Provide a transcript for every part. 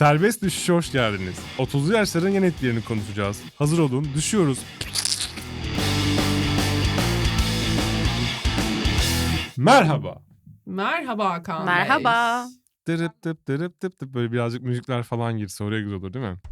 Serbest düşüşe hoş geldiniz. 30'lu yaşların yan etkilerini konuşacağız. Hazır olun, düşüyoruz. Merhaba. Merhaba Hakan Bey. Merhaba. Dırıp tıp dırıp tıp tıp böyle birazcık müzikler falan girse oraya güzel olur değil mi?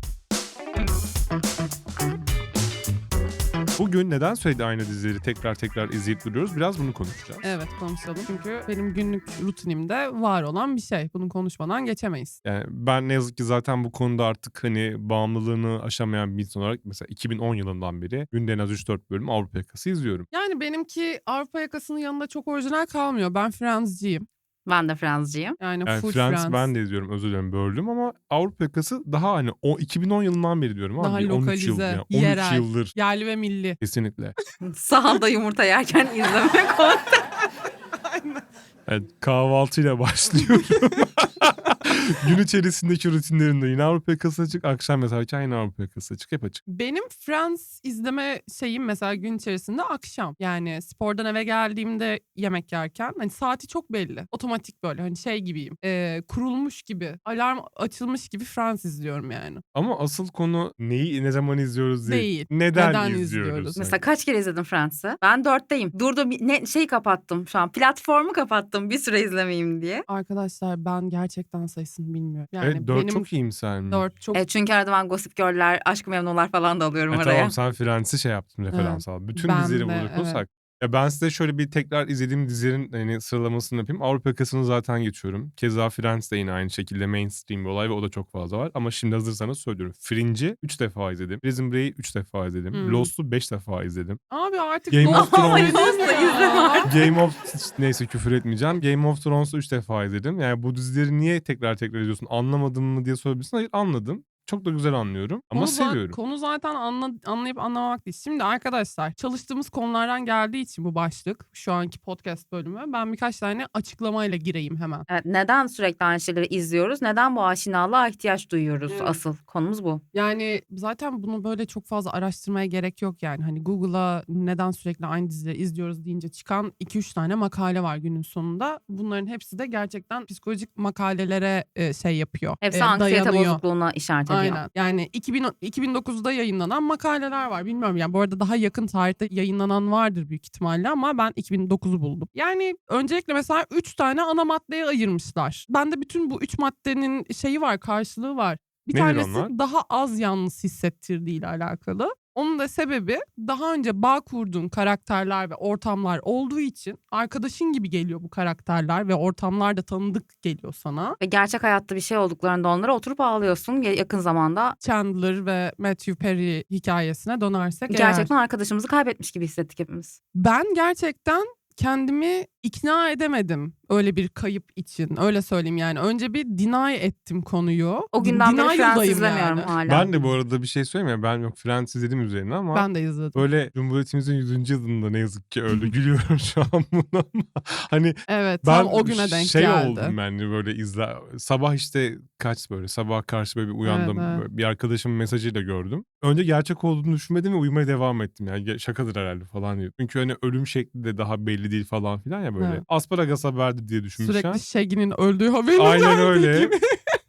Bugün neden sürekli aynı dizileri tekrar izleyip duruyoruz? Biraz bunu konuşacağız. Evet, konuşalım. Çünkü benim günlük rutinimde var olan bir şey. Bunu konuşmadan geçemeyiz. Yani ben ne yazık ki zaten bu konuda artık hani bağımlılığını aşamayan bir insan olarak mesela 2010 yılından beri günde en az 3-4 bölüm Avrupa Yakası izliyorum. Yani benimki Avrupa Yakası'nın yanında çok orijinal kalmıyor. Ben Friends'ciyim. Ben de Fransızcıyım. Yani Yani full Friends. Ben de izliyorum, özür dilerim böldüm ama Avrupa Yakası daha hani o 2010 yılından beri diyorum abi. Daha 13 yıl lokalize, yani 13 yerel, yıldır yerli ve milli. kesinlikle. Sahanda yumurta yerken izlemek o. Evet, kahvaltıyla başlıyorum. Gün içerisindeki rutinlerimde yine Avrupa Yakası açık, akşam mesela yine Avrupa Yakası açık, hep açık. Benim Friends izleme şeyim mesela gün içerisinde akşam. Yani spordan eve geldiğimde yemek yerken hani saati çok belli. Otomatik böyle hani şey gibiyim. Kurulmuş gibi, alarm açılmış gibi Friends izliyorum yani. Ama asıl konu neyi ne zaman izliyoruz değil. Değil. Neden Neden izliyoruz? izliyoruz? Mesela kaç kere izledim Fransız'ı? Ben 4'teyim. Durdum kapattım şu an. Platformu kapattım bir süre izlemeyeyim diye. Arkadaşlar ben gerçekten sayısını bilmiyorum. Yani Evet, 4 benim çok iyimser mi? 4 çok Çünkü arada ben Gossip Girl'ler, Aşk-ı Memnu'lar falan da alıyorum oraya. Tamam, sen Friends'i şey yaptın, referans al. Bütün Ben dizileri de, burada konuşsak. Ya ben size şöyle bir tekrar izlediğim dizilerin hani sıralamasını yapayım. Avrupa Yakası'nı zaten geçiyorum. Keza Friends de yine aynı şekilde mainstream bir olay ve o da çok fazla var. Ama şimdi hazırsanız söylüyorum. Fringe'i 3 defa izledim. Prison Break'i 3 defa izledim. Lost'u 5 defa izledim. Abi artık Game of Thrones. Lost'u izleme. Game of... Neyse, küfür etmeyeceğim. Game of Thrones'u 3 defa izledim. Yani bu dizileri niye tekrar izliyorsun? Anlamadın mı diye sorabilirsin. Hayır, anladım. Çok da güzel anlıyorum ama seviyorum. Konu zaten anlayıp anlamamak değil. Şimdi arkadaşlar çalıştığımız konulardan geldiği için bu başlık şu anki podcast bölümü ben birkaç tane açıklamayla gireyim hemen. Evet, neden sürekli aynı şeyleri izliyoruz? Neden bu aşinalığa ihtiyaç duyuyoruz? Evet. Asıl konumuz bu. Yani zaten bunu böyle çok fazla araştırmaya gerek yok yani. Hani Google'a neden sürekli aynı dizileri izliyoruz deyince çıkan 2-3 tane makale var günün sonunda. Bunların hepsi de gerçekten psikolojik makalelere şey yapıyor. Hepsi anksiyete dayanıyor. bozukluğuna işaret ediyor. Aynen. Yani 2009'da yayınlanan makaleler var. Bilmiyorum yani bu arada daha yakın tarihte yayınlanan vardır büyük ihtimalle ama ben 2009'u buldum. Yani öncelikle mesela 3 tane ana maddeye ayırmışlar. Bende bütün bu 3 maddenin şeyi var, karşılığı var. Bir Nedir tanesi onlar? daha az yalnız hissettirdiğiyle alakalı. Onun da sebebi daha önce bağ kurduğun karakterler ve ortamlar olduğu için arkadaşın gibi geliyor bu karakterler ve ortamlar da tanıdık geliyor sana. Ve gerçek hayatta bir şey olduklarında onlara oturup ağlıyorsun. Yakın zamanda Chandler ve Matthew Perry hikayesine dönersek gerçekten arkadaşımızı kaybetmiş gibi hissettik hepimiz. ben gerçekten kendimi ikna edemedim öyle bir kayıp için. Öyle söyleyeyim yani. Önce bir deny ettim konuyu. O günden beri Friends Denial'dayım izlemiyorum yani. hala. Ben de bu arada bir şey söyleyeyim ya. Ben yok Friends izledim üzerine ama Ben de izledim. böyle Cumhuriyetimizin 100. yılında ne yazık ki öldü. Gülüyorum şu an buna ama hani Evet, ben tam o güne denk şey geldi. oldum ben de böyle sabah işte sabah karşı böyle bir uyandım. Evet. Böyle bir arkadaşımın mesajıyla gördüm. Önce gerçek olduğunu düşünmedim ve uyumaya devam ettim. Yani şakadır herhalde falan diyor. Çünkü hani ölüm şekli de daha belli değil falan filan ya böyle. Evet. Asparagas haberdi diye düşünmüşler. Sürekli Shaggy'nin öldüğü haberi Aynen geldi öyle. gibi.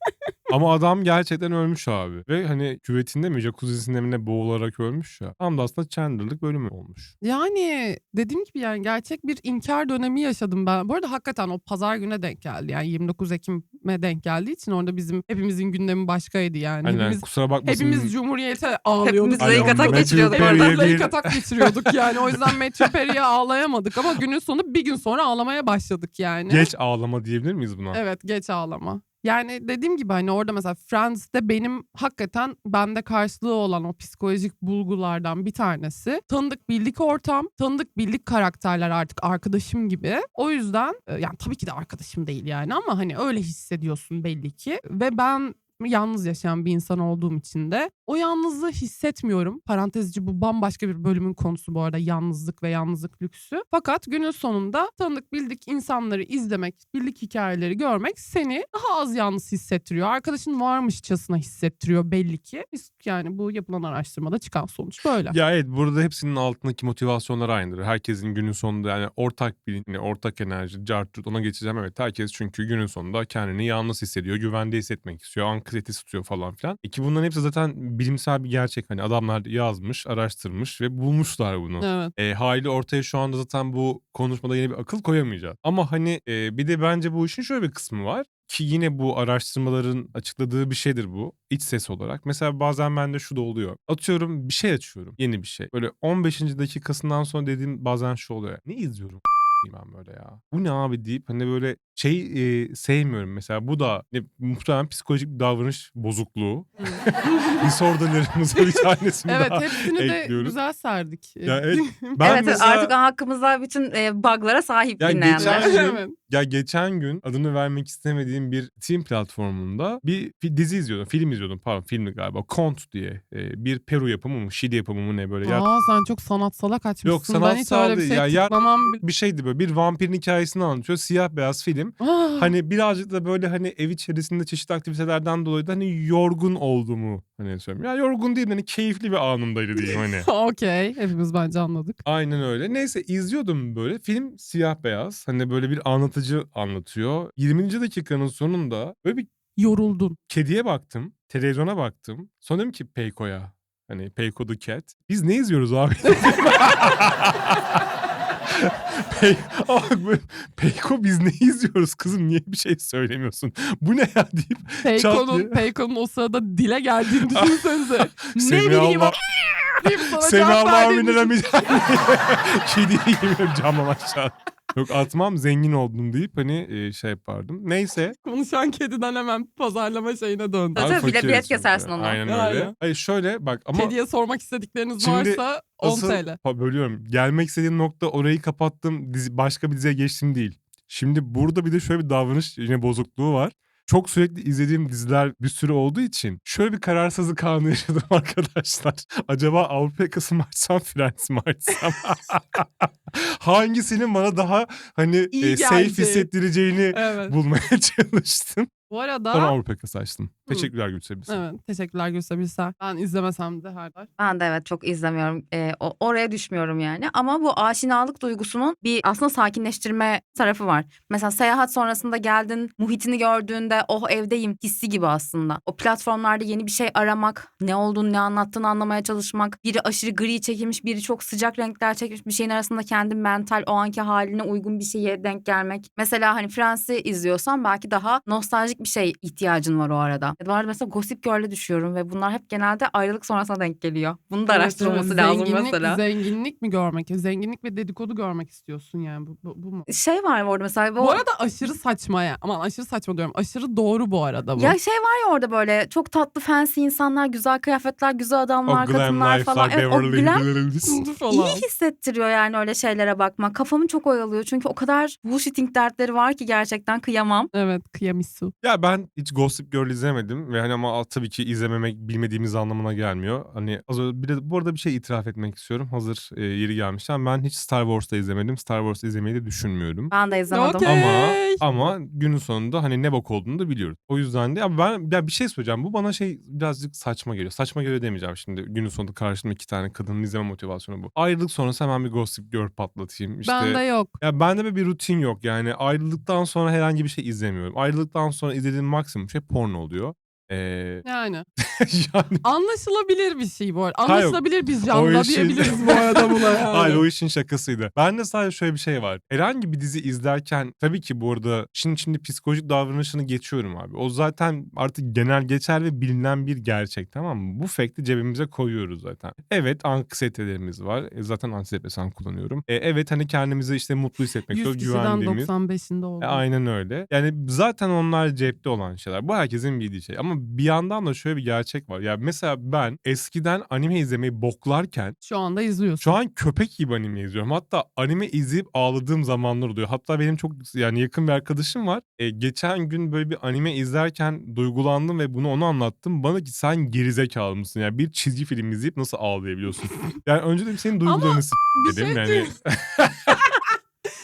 Ama adam gerçekten ölmüş abi. Ve hani küvetinde mi jacuzzisinde mi ne boğularak ölmüş ya. Tam da aslında Chandler'lık bölümü olmuş. Yani dediğim gibi yani gerçek bir inkar dönemi yaşadım ben. Bu arada hakikaten o pazar güne denk geldi. Yani 29 Ekim'e denk geldiği için orada hepimizin gündemi başkaydı yani. Aynen, kusura bakmasın. Hepimiz Cumhuriyet'e ağlıyorduk. Hepimiz Lake Attack Matthew geçiriyorduk Perry'e orada. bir- Lake Attack geçiriyorduk yani. O yüzden Matthew Perry'e ağlayamadık ama günün sonu bir gün sonra ağlamaya başladık yani. Geç ağlama diyebilir miyiz buna? Evet, geç ağlama. Yani dediğim gibi hani orada mesela Friends'te benim hakikaten bende karşılığı olan o psikolojik bulgulardan bir tanesi. Tanıdık bildik ortam, tanıdık bildik karakterler artık arkadaşım gibi. O yüzden yani tabii ki de arkadaşım değil yani ama hani öyle hissediyorsun belli ki. Ve ben yalnız yaşayan bir insan olduğum için de o yalnızlığı hissetmiyorum. Parantez içi bu bambaşka bir bölümün konusu bu arada, yalnızlık ve yalnızlık lüksü. Fakat günün sonunda tanıdık bildik insanları izlemek, bildik hikayeleri görmek seni daha az yalnız hissettiriyor. Arkadaşın varmışçasına hissettiriyor belli ki. Yani bu yapılan araştırmada çıkan sonuç böyle. Ya evet, burada hepsinin altındaki motivasyonlar aynıdır. Herkesin günün sonunda yani ortak bir ortak enerji, cartürt, ona geçeceğim. Evet, herkes çünkü günün sonunda kendini yalnız hissediyor, güvende hissetmek istiyor, anksiyete tutuyor falan filan. Ki bunların hepsi zaten bilimsel bir gerçek. Hani adamlar yazmış, araştırmış ve bulmuşlar bunu. Evet. Haliyle ortaya şu anda zaten bu konuşmada yeni bir akıl koyamayacağız. Ama hani bir de bence bu işin şöyle bir kısmı var. Ki yine bu araştırmaların açıkladığı bir şeydir bu. İç ses olarak. Mesela bazen bende şu da oluyor. Atıyorum bir şey açıyorum. Yeni bir şey. Böyle 15. dakikasından sonra dediğim bazen şu oluyor. Ne izliyorum ben böyle ya? Bu ne abi deyip hani böyle sevmiyorum mesela. Bu da muhtemelen psikolojik bir davranış bozukluğu. Disorderlarımıza bir tanesini Evet, daha hepsini de ekliyoruz. güzel serdik. Ya evet, ben Evet mesela artık hakkımızda bütün bug'lara sahip ya dinleyenler. geçen gün adını vermek istemediğim bir Steam platformunda bir dizi izliyordum. Film izliyordum. Pardon, filmdi galiba. Kont diye. Bir Peru yapımı mı? Şili yapımı mı ne böyle. Ya, Sen çok sanatsala kaçmışsın. yok Ben hiç sanatsal öyle bir değil. şey Ya tıklamam. bir şeydi böyle. Bir vampirin hikayesini anlatıyor. Siyah beyaz film. Hani birazcık da böyle hani ev içerisinde çeşitli aktivitelerden dolayı da hani yorgun olduğumu hani söylüyorum. Ya yorgun değil, hani keyifli bir anımdaydı diyeyim hani. Okey. Hepimiz bence anladık. Aynen öyle. Neyse izliyordum böyle. Film siyah beyaz. Hani böyle bir anlatıcı anlatıyor. 20. dakikanın sonunda böyle bir Yoruldun. kediye baktım. Televizyona baktım. Sonra dedim ki Peyko'ya. Hani Peyko the Cat. Biz ne izliyoruz abi? Peyko biz ne izliyoruz kızım, niye bir şey söylemiyorsun? Bu ne ya deyip çat diye. Peyko'nun o sırada dile geldiğini düşünsenize. Ne Semih bileyim Allah. deyip sana Semih cevap Allah verdiğini amin demeyeceğim. Kediyi yemiyorum camdan aşağı. Yok atmam, zengin oldum deyip hani şey yapardım. Neyse. konuşan kediden hemen pazarlama şeyine döndü. Tabii, Abi bilet fakiriz kesersin çünkü. onu. Aynen Yani. öyle. Hayır şöyle bak ama Kediye sormak istedikleriniz Şimdi varsa 10 asıl TL. bölüyorum. Gelmek istediğim nokta orayı kapattım, başka bir diziye geçtim değil. Şimdi burada bir de şöyle bir davranış yine bozukluğu var. Çok sürekli izlediğim diziler bir sürü olduğu için şöyle bir kararsızlık anı yaşadım arkadaşlar. Acaba Avrupa Yakası mı açsam, Friends mi açsam? Hangisinin bana daha hani İyi safe geldi. hissettireceğini Evet. bulmaya çalıştım. Bu Sonra arada Avrupa Yakası açtım. Teşekkürler Gülse Bilsen. evet, teşekkürler Gülse Birsel. Ben izlemesem de her daim. Ben de evet çok izlemiyorum. Oraya düşmüyorum yani. Ama bu aşinalık duygusunun bir aslında sakinleştirme tarafı var. Mesela seyahat sonrasında geldin, muhitini gördüğünde oh evdeyim hissi gibi aslında. O platformlarda yeni bir şey aramak, ne olduğunu ne anlattığını anlamaya çalışmak. Biri aşırı gri çekilmiş, biri çok sıcak renkler çekmiş bir şeyin arasında kendi mental o anki haline uygun bir şeye denk gelmek. Mesela hani Friends'i izliyorsan belki daha nostaljik bir şey ihtiyacın var o arada. Bu arada mesela Gossip Girl'e düşüyorum ve bunlar hep genelde ayrılık sonrasına denk geliyor. Bunun da araştırılması lazım mesela. Zenginlik mi görmek? Zenginlik ve dedikodu görmek istiyorsun yani bu mu? Şey var orada mesela. Bu arada aşırı saçma ya. Aman aşırı saçma diyorum. Aşırı doğru bu arada bu. Ya şey var ya orada böyle çok tatlı fancy insanlar, güzel kıyafetler, güzel O adamlar, glam kadınlar falan. life'lar, Evet, o Beverly glam Hills. falan. iyi hissettiriyor yani öyle şeylere bakmak. Kafamı çok oyalıyor çünkü o kadar bullshitting dertleri var ki gerçekten kıyamam. Evet, kıyamisu. Ya ben hiç Gossip Girl izlemedim ve hani ama tabii ki izlememek bilmediğimiz anlamına gelmiyor. Hani bir de bu arada bir şey itiraf etmek istiyorum. Hazır yeri gelmişken ben hiç Star Wars'ta izlemedim. Star Wars izlemeyi de düşünmüyorum. Ben de izlemedim. Okey. Ama günün sonunda hani ne bok olduğunu da biliyoruz. O yüzden de ya bir şey söyleyeceğim. Bu bana birazcık saçma geliyor. Saçma geliyor demeyeceğim şimdi. Günün sonunda karşımda 2 tane kadının izleme motivasyonu bu. Ayrılık sonrası hemen bir Gossip Girl patlatayım. İşte, Bende yok. ya bende bir rutin yok. Yani ayrıldıktan sonra herhangi bir şey izlemiyorum. Ayrıldıktan sonra izlediğim maksimum şey porno oluyor. Yani Yani anlaşılabilir bir şey bu arada. Hayır, Anlaşılabilir bir o janra işin- diyebiliriz bu arada buna yani. Hayır, o işin şakasıydı. Bende sadece şöyle bir şey var. Herhangi bir dizi izlerken tabii ki bu arada şimdi psikolojik davranışını geçiyorum abi. O zaten artık genel geçer ve bilinen bir gerçek, tamam mı? Bu fact'i cebimize koyuyoruz zaten. Evet, anksiyetelerimiz var. Zaten antidepresan kullanıyorum. Evet, hani kendimizi işte mutlu hissetmek 100 istiyoruz, kişiden güvendiğimiz. 95'inde oldu. Aynen öyle. Yani zaten onlar cepte olan şeyler. Bu herkesin bildiği şey. Ama bir yandan da şöyle bir gerçek var. Ya mesela ben eskiden anime izlemeyi boklarken Şu anda izliyorsun. şu an köpek gibi anime izliyorum. Hatta anime izleyip ağladığım zamanlar oluyor. Hatta benim çok yani yakın bir arkadaşım var. Geçen gün böyle bir anime izlerken duygulandım ve onu anlattım. Bana ki sen gerizekalı mısın? Yani bir çizgi film izleyip nasıl ağlayabiliyorsun? Yani önce de senin duygularını bir dedim şey yani. diyeyim.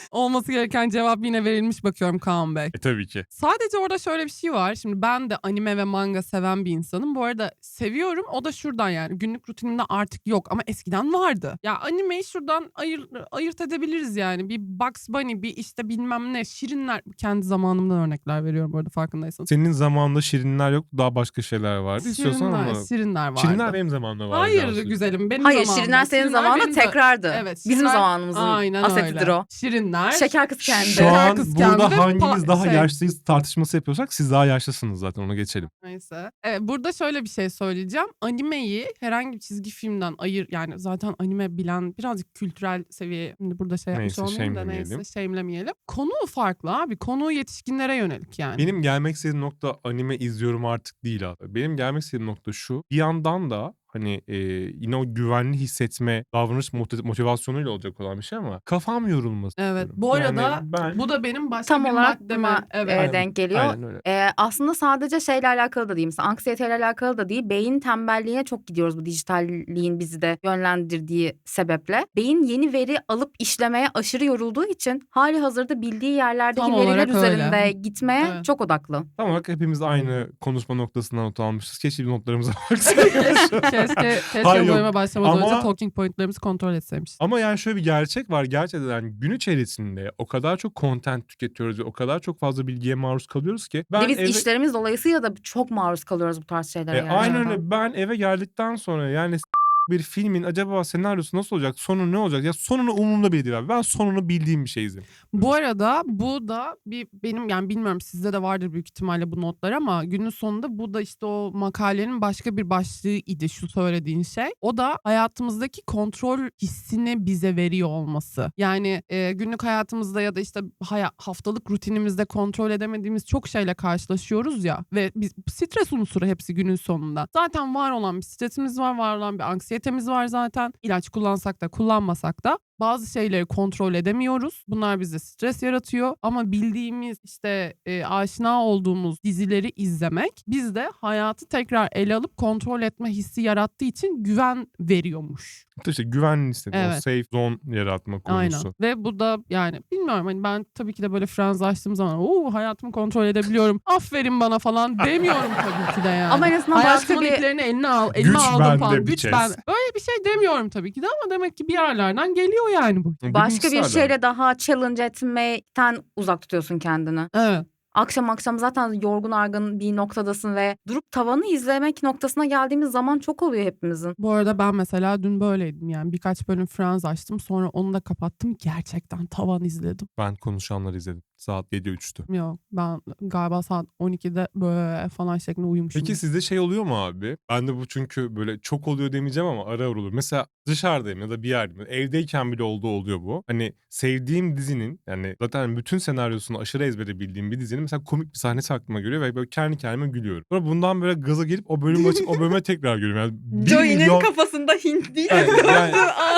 Olması gereken cevap yine verilmiş bakıyorum Kaan Bey. Tabii ki. Sadece orada şöyle bir şey var. Şimdi ben de anime ve manga seven bir insanım. Bu arada seviyorum. O da şuradan yani. Günlük rutinimde artık yok ama eskiden vardı. Ya animeyi şuradan ayırt edebiliriz yani. Bir Bugs Bunny, bir işte bilmem ne, Şirinler. Kendi zamanımdan örnekler veriyorum bu arada farkındaysanız. Senin zamanında Şirinler yok, daha başka şeyler vardı. İstiyorsan ama... Şirinler vardı. Şirinler benim zamanımda vardı. Hayır gerçekten. güzelim benim Hayır zamanımda. Şirinler senin zamanında benim de- tekrardı. Evet. Bizim Şirinler- zamanımızın Aynen asetidir öyle. o. Şirinler. Şeker kız kendi. Şu an Kız burada kendi hangimiz daha şey- yaşlıyız tartışması yapıyorsak siz daha yaşlısınız zaten, ona geçelim. Neyse. Evet, burada şöyle bir şey söyleyeceğim. Animeyi herhangi bir çizgi filmden yani zaten anime bilen birazcık kültürel seviye, şimdi burada şey yapmış Neyse, olmayayım da shame'lemeyelim. neyse shame'lemeyelim. Konu farklı abi. Konu yetişkinlere yönelik yani. Benim gelmek istediğim nokta anime izliyorum artık değil abi. Benim gelmek istediğim nokta şu. Bir yandan da hani yine o güvenli hissetme, davranış motivasyonuyla olacak olan bir şey ama kafam yorulmasın. Evet. istiyorum. Bu arada Yani ben... bu da benim başka Tam bir olarak maddeme. buna Evet. denk geliyor. Aynen öyle. Aslında sadece şeyle alakalı da değil. Mesela anksiyeteyle alakalı da değil. Beyin tembelliğine çok gidiyoruz bu dijitalliğin bizi de yönlendirdiği sebeple. Beyin yeni veri alıp işlemeye aşırı yorulduğu için hali hazırda bildiği yerlerdeki Tam veriler olarak öyle. üzerinde gitmeye Evet. çok odaklı. Tam olarak hepimiz aynı konuşma noktasından not almışız. Keşke bir notlarımıza baksaydık. Keşke Hayır, yok. bölüme başlamadan Ama- önce talking pointlerimizi kontrol etseymişiz. Ama yani şöyle bir gerçek var. Gerçekten yani gün içerisinde o kadar çok content tüketiyoruz ve o kadar çok fazla bilgiye maruz kalıyoruz ki. Bir de biz işlerimiz dolayısıyla da çok maruz kalıyoruz bu tarz şeylere. Aynen gerçekten. öyle. Ben eve geldikten sonra yani bir filmin acaba senaryosu nasıl olacak? Sonu ne olacak? Ya sonunu umurumda bile değil abi. Ben sonunu bildiğim bir şey izleyeyim. Bu arada bu da benim yani bilmiyorum sizde de vardır büyük ihtimalle bu notlar ama günün sonunda bu da işte o makalenin başka bir başlığı idi şu söylediğin şey. O da hayatımızdaki kontrol hissini bize veriyor olması. Yani günlük hayatımızda ya da işte haftalık rutinimizde kontrol edemediğimiz çok şeyle karşılaşıyoruz ya ve biz stres unsuru hepsi günün sonunda. Zaten var olan bir stresimiz var olan bir anksiyetemiz var zaten. İlaç kullansak da kullanmasak da bazı şeyleri kontrol edemiyoruz. Bunlar bize stres yaratıyor ama bildiğimiz işte aşina olduğumuz dizileri izlemek bizde hayatı tekrar ele alıp kontrol etme hissi yarattığı için güven veriyormuş. İşte güvenli hissetme, o Evet. safe zone yaratma konusu. Aynen. Ve bu da yani bilmiyorum hani ben tabii ki de böyle Friends açtığım zaman hayatımı kontrol edebiliyorum. Aferin bana falan demiyorum tabii ki de yani. Ama en azından başka Hayatımın bir iplerini elime aldım Güç bende falan. bir Güç kez. ben. Böyle bir şey demiyorum tabii ki de ama demek ki bir yerlerden geliyor yani bu. başka bir Bilimsel şeyle daha challenge etmekten uzak tutuyorsun kendini. Evet. Akşam zaten yorgun argın bir noktadasın ve durup tavanı izlemek noktasına geldiğimiz zaman çok oluyor hepimizin. Bu arada ben mesela dün böyleydim yani birkaç bölüm Friends açtım sonra onu da kapattım. Gerçekten tavan izledim. Ben konuşanları izledim. Saat 7.03'tü. Yok ben galiba saat 12'de böyle falan şeklinde uyumuşum. Peki sizde şey oluyor mu abi? Ben de bu çünkü böyle çok oluyor demeyeceğim ama ara ara olur. Mesela dışarıdayım ya da bir yerdeyim. Evdeyken bile oluyor bu. Hani sevdiğim dizinin yani zaten bütün senaryosunu aşırı ezbere bildiğim bir dizinin mesela komik bir sahnesi aklıma geliyor ve böyle kendi kendime gülüyorum. Sonra bundan böyle gaza gelip o bölümü açıp o bölüme tekrar gülüyorum. Yani 1 milyon... kafasında Hint diye Yani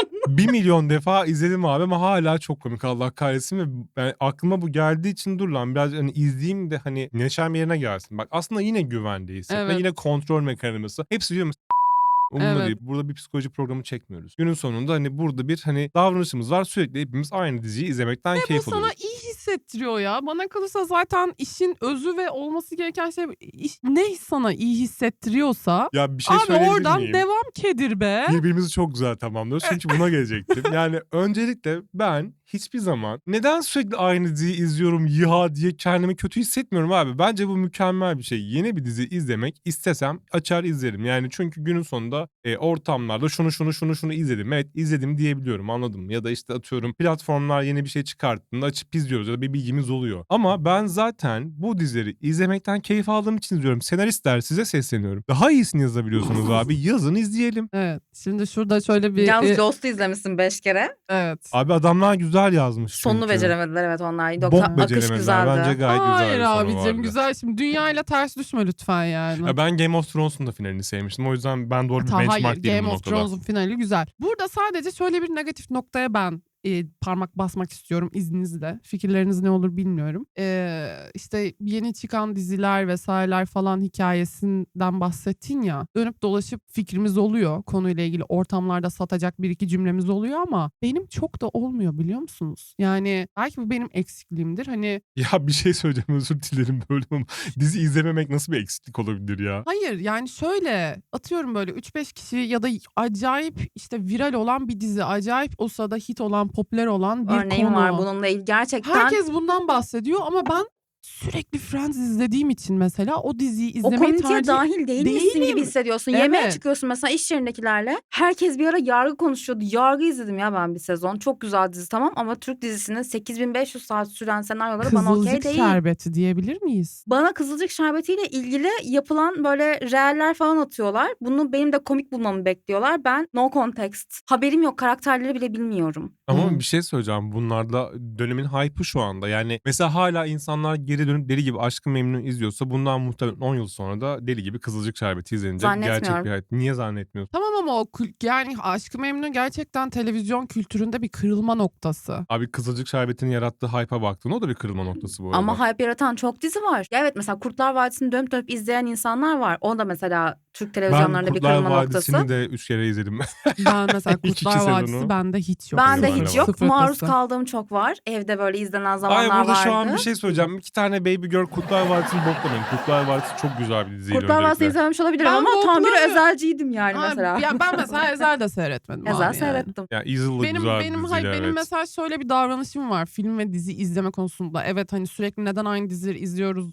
1 milyon defa izledim abi ama hala çok komik, Allah kahretsin ve yani aklıma bu geldiği için dur lan biraz hani izleyeyim de hani neşem yerine gelsin. Bak aslında yine güvende hissetme, Evet. yine kontrol mekanizması. Hepsi diyorum umurumda Evet. değil. Burada bir psikoloji programı çekmiyoruz. Günün sonunda hani burada bir hani davranışımız var. Sürekli hepimiz aynı diziyi izlemekten Bu keyif sana alıyoruz. iyi hissettiriyor ya. Bana kalırsa zaten işin özü ve olması gereken şey ne sana iyi hissettiriyorsa Ya bir şey abi söyleyebilir oradan miyim? devam kedir be. Birbirimizi çok güzel tamamlıyoruz. Çünkü buna gelecektim. Yani öncelikle ben hiçbir zaman neden sürekli aynı diziyi izliyorum ya diye kendimi kötü hissetmiyorum abi. Bence bu mükemmel bir şey. Yeni bir dizi izlemek istesem açar izlerim. Yani çünkü günün sonunda ortamlarda şunu izledim. Evet izledim diyebiliyorum, anladın mı? Ya da işte atıyorum platformlar yeni bir şey çıkarttığında açıp izliyoruz ya da bir bilgimiz oluyor. Ama ben zaten bu dizileri izlemekten keyif aldığım için izliyorum. Senaristler size sesleniyorum. Daha iyisini yazabiliyorsunuz abi. Yazın izleyelim. Evet. Şimdi şurada şöyle bir Yalnız Lost'u izlemişsin 5 kere. evet. Abi adamlar güzel yazmış Sonunu çünkü. beceremediler evet onlar. Bok Yoksa akış beceremediler. güzeldi. Bence gayet güzel Hayır bir sonu abicim vardı. güzel. Şimdi dünyayla ters düşme lütfen yani. Ya ben Game of Thrones'un da finalini sevmiştim. O yüzden ben doğru bir benchmark Hayır değilim Game bu of noktada. Thrones'un finali güzel. Burada sadece şöyle bir negatif noktaya ben parmak basmak istiyorum izninizle. Fikirleriniz ne olur bilmiyorum. İşte yeni çıkan diziler vesaireler falan hikayesinden bahsettin ya. Dönüp dolaşıp fikrimiz oluyor. Konuyla ilgili ortamlarda satacak bir iki cümlemiz oluyor ama benim çok da olmuyor biliyor musunuz? Yani belki bu benim eksikliğimdir. Hani Ya bir şey söyleyeceğim, özür dilerim böyle ama dizi izlememek nasıl bir eksiklik olabilir ya? hayır yani şöyle atıyorum böyle 3-5 kişi ya da acayip işte viral olan bir dizi, acayip o sırada hit olan, popüler olan bir Örneğim var konu. bununla ilgili. Gerçekten Herkes bundan bahsediyor ama ben sürekli Friends izlediğim için mesela o diziyi o izlemeyi komüniteye tercih dahil değilmişsin gibi değilim. hissediyorsun. Yemeğe Evet. çıkıyorsun mesela iş yerindekilerle. Herkes bir ara Yargı konuşuyordu. Yargı izledim ya ben bir sezon. Çok güzel dizi tamam ama Türk dizisinin 8500 saat süren senaryoları bana okey Kızılcık değil. şerbeti diyebilir miyiz? Bana Kızılcık Şerbeti'yle ilgili yapılan böyle reeller falan atıyorlar. Bunu benim de komik bulmamı bekliyorlar. Ben no context. Haberim yok. Karakterleri bile bilmiyorum. Ama Hmm. bir şey söyleyeceğim. Bunlarda dönemin hype'ı şu anda. Yani mesela hala insanlar geri dönüp deli gibi Aşk-ı Memnu izliyorsa bundan muhtemelen 10 yıl sonra da deli gibi Kızılcık Şerbeti izlenecek gerçek Zannetmiyorum. bir hayat. Niye zannetmiyorsun? Tamam ama yani Aşk-ı Memnu gerçekten televizyon kültüründe bir kırılma noktası. Abi Kızılcık Şerbeti'nin yarattığı hype'a baktın. O da bir kırılma noktası bu arada. Ama hype yaratan çok dizi var. Ya evet mesela Kurtlar Vadisi'ni dönüp dönüp izleyen insanlar var. O da mesela Türk Ben televizyonlarında bir Kurtlar kırılma Vadisi'ni noktası. de 3 kere izledim. Ben mesela İlk iki Kurtlar Vadisi sezonu. bende hiç yok. Ben de Sıfır hiç var. yok. Sıfır Maruz ötesi. kaldığım çok var. Evde böyle izlenen Ay zamanlar burada şu an vardı. bir şey söyleyeceğim. 2 tane Baby Girl Kurtlar Vadisi'ni boklamayın. Kurtlar Vadisi çok güzel bir diziydi Kurtlar Vadisi'ni öncelikle. izlememiş olabilirim Ben ama tam bir boklarım. özelciydim yani Ha, mesela. ya ben mesela Ezel de seyretmedim abi Ezel yani. seyrettim. Ya Easel'da güzel bir diziydi, Benim evet. mesela şöyle bir davranışım var film ve dizi izleme konusunda. Evet hani sürekli neden aynı dizileri izliyoruz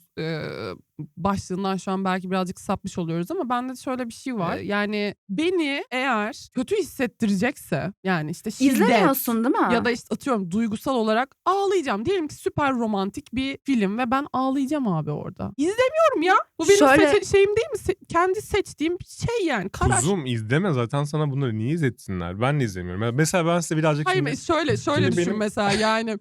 başlığından şu an belki birazcık sapmış oluyoruz ama bende şöyle bir şey var. Yani beni eğer kötü hissettirecekse yani işte şiddet İzlemiyorsun değil mi? ya da işte atıyorum duygusal olarak ağlayacağım. Diyelim ki süper romantik bir film ve ben ağlayacağım abi orada. İzlemiyorum ya. Bu benim Şöyle- şeyim değil mi? Kendi seçtiğim bir şey yani. Karar. Kuzum izleme, zaten sana bunları niye izletsinler? Ben de izlemiyorum. Mesela ben size birazcık Hayır şimdi... şöyle Şimdi düşün benim- mesela yani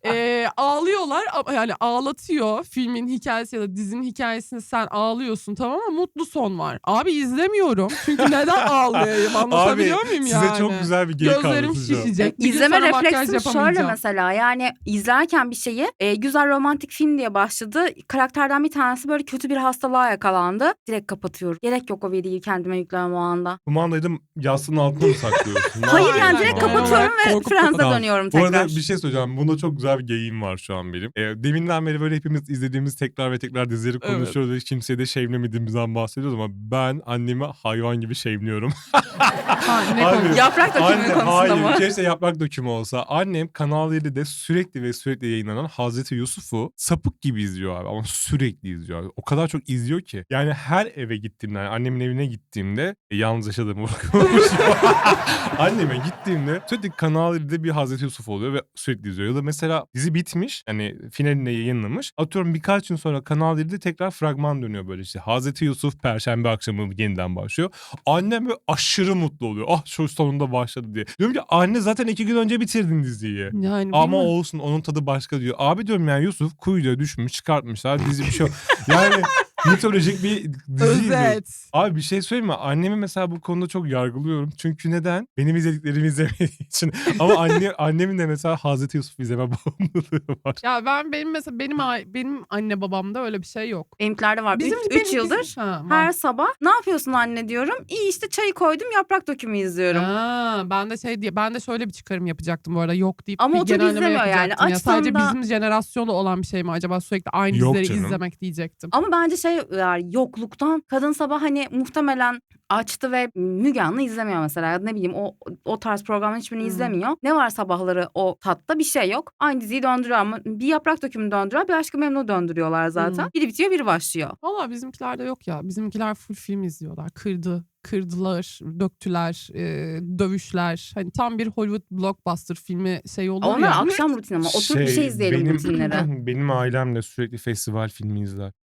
ağlıyorlar ama yani ağlatıyor filmin hikayesi ya da dizinin hikayesini sen ağlıyorsun tamam ama mutlu son var. Abi izlemiyorum çünkü neden ağlayayım anlatabiliyor Abi muyum size yani? çok güzel bir geyik Gözlerim anlatacağım. şişecek. Bir gün İzleme sana makyaj refleksim şöyle yapamayacağım. mesela yani izlerken bir şeyi güzel romantik film diye başladı. Karakterden bir tanesi böyle kötü bir hastalığa yakalandı. Direkt kapatıyorum. Gerek yok o veriyi kendime yüklemem o anda. Kumandayı da yastığın altına mı saklıyorsun? Ne Hayır yapıyorsun yani Aynen, direkt kumandayı? kapatıyorum ve Korkup Friends'e Tamam. dönüyorum Bu tekrar. arada bir şey söyleyeceğim. Bunda çok güzel bir geyiğim var şu an benim. Deminden beri böyle hepimiz izlediğimiz tekrar ve tekrar dizileri Evet. konuşuyoruz ve kimseye de şevlemediğimizden bahsediyoruz ama ben annemi hayvan gibi şevliyorum. Ha, ne Abi, konu? Yaprak dökümü Anne, konusunda hayır, mı? keşke yaprak dökümü olsa. Annem Kanal 7'de sürekli ve sürekli yayınlanan Hazreti Yusuf'u sapık gibi izliyor abi ama sürekli izliyor abi. O kadar çok izliyor ki. Yani her eve gittiğimde, yani annemin evine gittiğimde yalnız yaşadığımı bırakmamış. Anneme gittiğimde sürekli Kanal 7'de bir Hazreti Yusuf oluyor ve sürekli izliyor. Ya da mesela dizi bitmiş, hani finalinde yayınlamış. Atıyorum birkaç gün sonra Kanal 7'de tekrar fragman dönüyor böyle işte. Hazreti Yusuf Perşembe akşamı yeniden başlıyor. Annem böyle aşırı mutlu oluyor. Ah şu sonunda başladı diye. Diyorum ki anne zaten 2 gün önce bitirdin diziyi. Yani Ama bilmiyorum. olsun onun tadı başka diyor. Abi diyorum yani Yusuf kuyuya düşmüş çıkartmışlar dizi bir şey yok. Yani mitolojik bir diziydi. Özet. Abi bir şey söyleyeyim mi? Annemi mesela bu konuda çok yargılıyorum. Çünkü neden? Benim izlediklerimi izlemediği için. Ama annemin de mesela Hazreti Yusuf izleme bağımlılığı var. Ya benim mesela benim anne babamda öyle bir şey yok. Benimkilerde var. 3 yıldır Ha, var. her sabah ne yapıyorsun anne diyorum. İyi işte çayı koydum yaprak dökümü izliyorum. Ben de şöyle bir çıkarım yapacaktım bu arada yok deyip Ama bir oturup genelleme izlemiyor yani. yapacaktım. Ya Açsam sadece da- bizim jenerasyonda olan bir şey mi acaba sürekli aynı Yok dizileri canım. izlemek diyecektim. Ama bence şey var yokluktan kadın sabah hani muhtemelen açtı ve Müge Anlı izlemiyor mesela. Ya da ne bileyim o tarz programların hiçbirini izlemiyor. Ne var sabahları o tatta bir şey yok. Aynı diziyi döndürüyor ama bir yaprak dökümü döndürüyor bir Aşk-ı Memnu döndürüyorlar zaten. Biri bitiyor biri başlıyor. Valla bizimkilerde yok ya. Bizimkiler full film izliyorlar. Kırdılar, döktüler, dövüşler. Hani tam bir Hollywood blockbuster filmi şey olur Onlar ya. akşam rutini ama oturup bir şey izleyelim rutinleri. Benim ailem de sürekli festival filmi izler.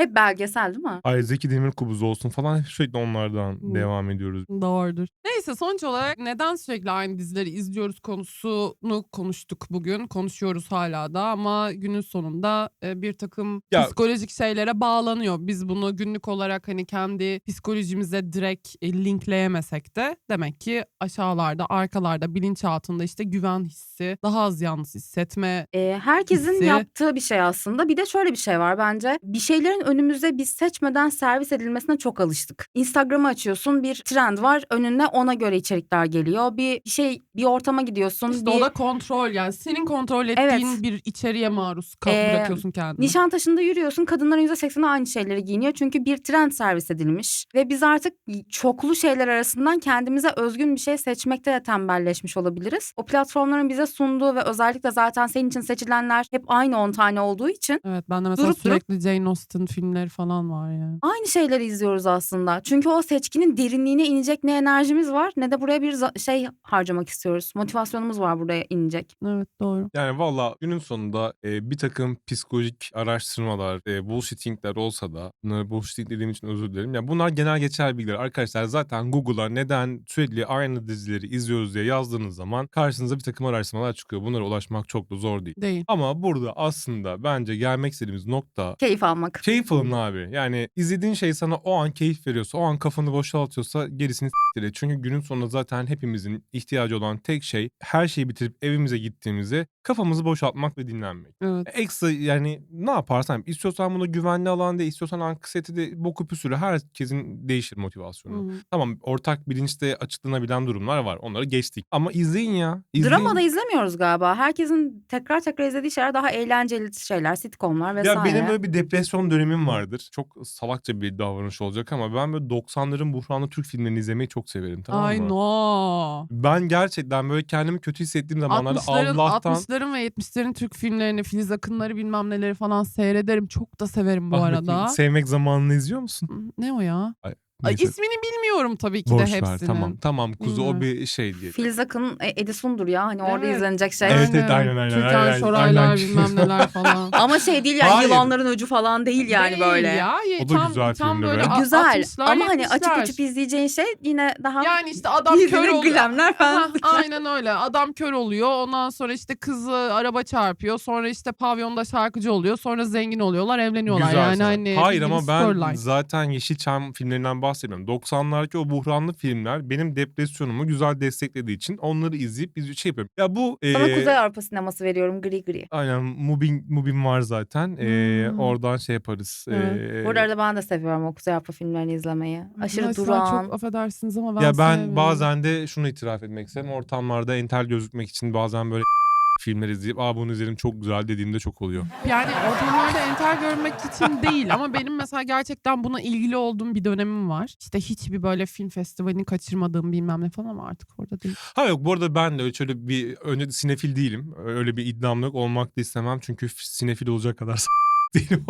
Hep belgesel değil mi? Ay Zeki Demirkubuz olsun falan hep sürekli onlardan Hı. devam ediyoruz. Doğrudur. Neyse sonuç olarak neden sürekli aynı dizileri izliyoruz konusunu konuştuk bugün. Konuşuyoruz hala da ama günün sonunda bir takım Ya- psikolojik şeylere bağlanıyor. Biz bunu günlük olarak hani kendi psikolojimize direkt linkleyemesek de demek ki aşağılarda, arkalarda, bilinçaltında işte güven hissi, daha az yalnız hissetme. Herkesin Hissi. yaptığı bir şey aslında. Bir de şöyle bir şey var bence. Bir şeylerin önümüze biz seçmeden servis edilmesine çok alıştık. Instagram'ı açıyorsun, bir trend var. Önüne ona göre içerikler geliyor. Bir ortama gidiyorsun. İşte o da kontrol, yani senin kontrol ettiğin Evet. bir içeriğe maruz bırakıyorsun kendini. Nişantaşı'nda yürüyorsun, kadınların %80'i aynı şeyleri giyiniyor. Çünkü bir trend servis edilmiş. Ve biz artık çoklu şeyler arasından kendimize özgün bir şey seçmekte de tembelleşmiş olabiliriz. O platformların bize sunduğu ve özellikle zaten senin için seçilenler hep aynı 10 tane olduğu için Evet, ben de mesela Durup sürekli Jane Austen filmleri falan var yani. aynı şeyleri izliyoruz aslında. Çünkü o seçkinin derinliğine inecek ne enerjimiz var ne de buraya bir şey harcamak istiyoruz. Motivasyonumuz var buraya inecek. Evet, doğru. Yani valla günün sonunda bir takım psikolojik araştırmalar, bullshittingler olsa da bunları bullshitting dediğim için özür dilerim. Ya bunlar genel geçer bilgiler. Arkadaşlar zaten Google'a neden sürekli aynı dizileri izliyoruz diye yazdığınız zaman karşınıza bir takım araştırmalar çıkıyor. Bunlara ulaşmak çok da zor değil. Değil. Ama burada aslında bence gelmek istediğimiz nokta Keyif almak. keyif alın abi. Yani izlediğin şey sana o an keyif veriyorsa, o an kafanı boşaltıyorsa gerisini s**tir et. Çünkü günün sonunda zaten hepimizin ihtiyacı olan tek şey her şeyi bitirip evimize gittiğimizde kafamızı boşaltmak ve dinlenmek. Evet. Ekstra yani ne yaparsan istiyorsan bunu güvenli alan de, istiyorsan anksiyete de boku püsürü herkesin değişir motivasyonu. Hı hı. Tamam ortak bilinçte açıklanabilen durumlar var. Onları geçtik. Ama izleyin ya. İzleyin. Dramada izlemiyoruz galiba. Herkesin tekrar tekrar izlediği şeyler daha eğlenceli şeyler, sitcomlar vesaire. Ya benim böyle bir depresyon dönemim vardır. Çok salakça bir davranış olacak ama ben böyle 90'ların buhranlı Türk filmlerini izlemeyi çok severim, tamam Ay mı? no. Ben gerçekten böyle kendimi kötü hissettiğim zamanlarda 60'ların ve 70'lerin Türk filmlerini, Filiz Akınları bilmem neleri falan seyrederim. Çok da severim bu Ahmet'in arada. Sevmek Zamanı'nı izliyor musun? Ne o ya? Ay, Neyse, ismini bilmiyorum tabii ki de boş ver. hepsinin. Tamam kuzu Bilmiyorum. o bir şey diye. Filiz Akın, Edison'dur ya. Hani orada Evet. izlenecek şey. Evet, aynen. Türkan Şoraylar bilmem neler falan. Ama şey değil yani Hayır. yılanların öcü falan değil yani Değil böyle. ya. O da güzel tam filmdi böyle be. Güzel 60'lar, ama hani açıp 70'ler. açıp izleyeceğin şey yine daha Yani işte adam kör birbirine oluyor. glamler falan. Hah, aynen öyle. Adam kör oluyor. Ondan sonra işte kızı araba çarpıyor. Sonra işte pavyonda şarkıcı oluyor. Sonra zengin oluyorlar, evleniyorlar. Güzel yani sanat. hani Hayır bildiğin ama ben storyline. zaten Yeşilçam filmlerinden bahsediyorum. 90'lardaki o buhranlı filmler benim depresyonumu güzel desteklediği için onları izleyip biz şey yapıyorum. Ya bu Sana Kuzey Avrupa sineması veriyorum gri gri. aynen Mubin var zaten. Oradan şey yaparız. Evet. Bu arada ben de seviyorum o Kuzey Avrupa filmlerini izlemeyi. Aşırı Arkadaşlar durağan. çok affedersiniz ama ben Ya ben sevmiyorum. bazen de şunu itiraf etmek isterim. Ortamlarda entel gözükmek için bazen böyle filmler izleyip bunu izledim çok güzel dediğimde çok oluyor. Yani ortamlarda entel görmek için değil ama benim mesela gerçekten buna ilgili olduğum bir dönemim var. İşte hiçbir böyle film festivalini kaçırmadığım bilmem ne falan ama artık orada değil. Ha yok bu arada ben de öyle şöyle bir önce sinefil değilim. Öyle bir iddiam yok. Olmak da istemem çünkü sinefil olacak kadar değilim.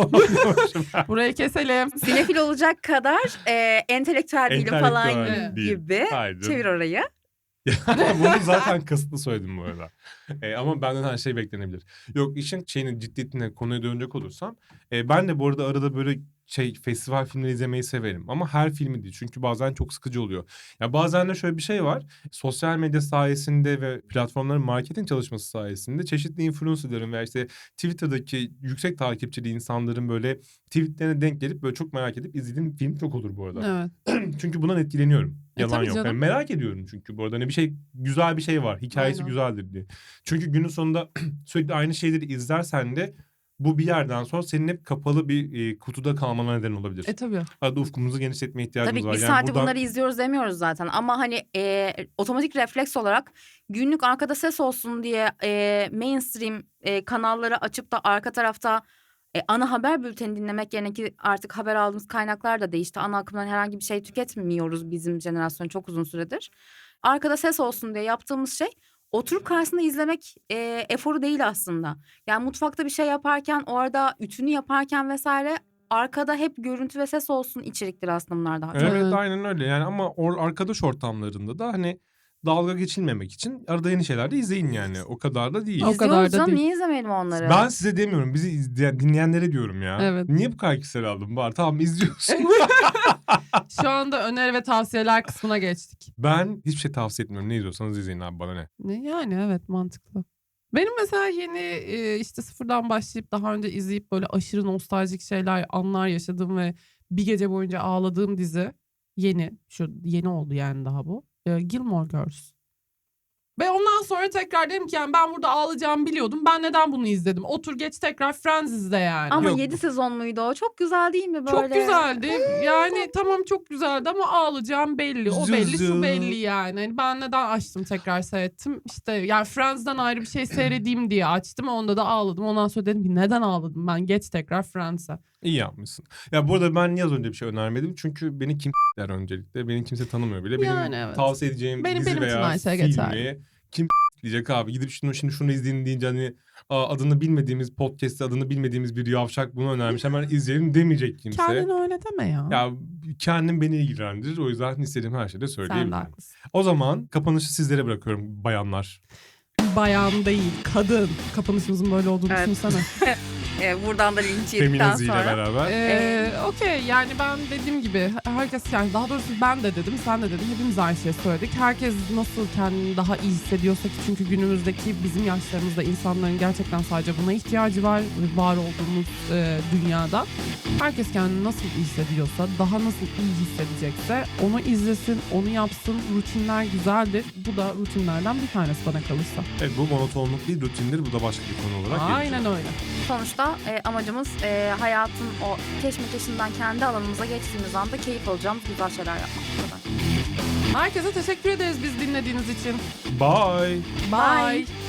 Burayı keselim. Sinefil olacak kadar entelektüel değilim falan Entelektüel değil. gibi. Hayır canım. Çevir orayı. Bunu zaten kasıtlı söyledim bu arada. Ama benden her şey beklenebilir. Yok işin ciddiyetine konuya dönecek olursam. Ben de bu arada arada böyle festival filmleri izlemeyi severim. Ama her filmi değil. Çünkü bazen çok sıkıcı oluyor. Ya bazen de şöyle bir şey var. Sosyal medya sayesinde ve platformların marketing çalışması sayesinde çeşitli influencerların veya işte Twitter'daki yüksek takipçili insanların böyle tweetlerine denk gelip böyle çok merak edip izlediğim film çok olur bu arada. Evet. Çünkü bundan etkileniyorum. Yalan tabii yok. canım. Yani merak ediyorum çünkü bu arada hani bir şey güzel bir şey var. Hikayesi Aynen. güzeldir diye. Çünkü günün sonunda sürekli aynı şeyleri izlersen de bu bir yerden sonra senin hep kapalı bir kutuda kalmana neden olabilir. Tabii. Arada ufkumuzu genişletmeye ihtiyacımız Tabii var. bir Yani saati buradan... bunları izliyoruz demiyoruz zaten. Ama hani otomatik refleks olarak günlük arkada ses olsun diye mainstream kanalları açıp da arka tarafta ana haber bülteni dinlemek yerine ki artık haber aldığımız kaynaklar da değişti. Ana akımdan herhangi bir şey tüketmiyoruz bizim jenerasyon çok uzun süredir. Arkada ses olsun diye yaptığımız şey oturup karşısında izlemek eforu değil aslında. Yani mutfakta bir şey yaparken orada ütünü yaparken vesaire arkada hep görüntü ve ses olsun içeriktir aslında bunlar daha çok. Evet Evet. aynen öyle yani ama arkadaş ortamlarında da hani dalga geçilmemek için arada yeni şeyler de izleyin yani. O kadar da değil. O kadar da İzliyoruz canım, değil. niye izlemeyelim onları? Ben size demiyorum. Bizi izleyen, dinleyenlere diyorum ya. Evet. Niye bu kadar kişisel aldım? Var tamam izliyorsun. Şu anda öneri ve tavsiyeler kısmına geçtik. Ben hiçbir şey tavsiye etmiyorum. Ne izliyorsanız izleyin abi, bana ne. Yani evet, mantıklı. Benim mesela yeni işte sıfırdan başlayıp daha önce izleyip böyle aşırı nostaljik şeyler, anlar yaşadığım ve bir gece boyunca ağladığım dizi yeni oldu yani daha bu. Gilmore Girls. Ve ondan sonra tekrar dedim ki yani ben burada ağlayacağımı biliyordum. Ben neden bunu izledim? Otur geç tekrar Friends izle yani. Ama Yok. 7 sezon muydu o? Çok güzel değil mi böyle? Çok güzeldi. Yani tamam çok güzeldi ama ağlayacağım belli. O belli, şu belli yani. Hani ben neden açtım tekrar seyrettim? İşte yani Friends'den ayrı bir şey seyredeyim diye açtım. Onda da ağladım. Ondan sonra dedim ki neden ağladım? Ben geç tekrar Friends'e. İyi yapmışsın. Ya bu arada ben niye az önce bir şey önermedim? Çünkü beni kim der öncelikle. Beni kimse tanımıyor bile. Benim Yani evet. tavsiye edeceğim Benim dizi için veya her şey filmi geçerli. kim diyecek abi. Gidip şunu izleyin deyince hani adını bilmediğimiz podcast'te adını bilmediğimiz bir yavşak bunu önermiş. Hemen izleyelim demeyecek kimse. Kendine öyle deme ya. Ya kendim beni ilgilendirir. O yüzden istediğim her şeyi de Sen de söyleyebilirim. haklısın. O zaman kapanışı sizlere bırakıyorum bayanlar. Bayan değil, kadın. Kapanışımızın böyle olduğunu Evet. düşünsene. Buradan da linç yedikten Feminazi ile sonra. beraber. Okey yani ben dediğim gibi herkes yani daha doğrusu ben de dedim sen de dedin hepimiz aynı şeyi söyledik. Herkes nasıl kendini daha iyi hissediyorsa ki çünkü günümüzdeki bizim yaşlarımızda insanların gerçekten sadece buna ihtiyacı var var olduğumuz dünyada. Herkes kendini nasıl iyi hissediyorsa daha nasıl iyi hissedecekse onu izlesin onu yapsın, rutinler güzeldir. Bu da rutinlerden bir tanesi bana kalırsa. Evet, bu monotonluk değil rutindir. Bu da başka bir konu olarak gelecek. Aynen öyle. Sonuçta amacımız hayatın o keşmekeşinden kendi alanımıza geçtiğimiz anda keyif alacağımız güzel şeyler yapmak. Bu kadar. Herkese teşekkür ederiz biz dinlediğiniz için. Bye. Bye.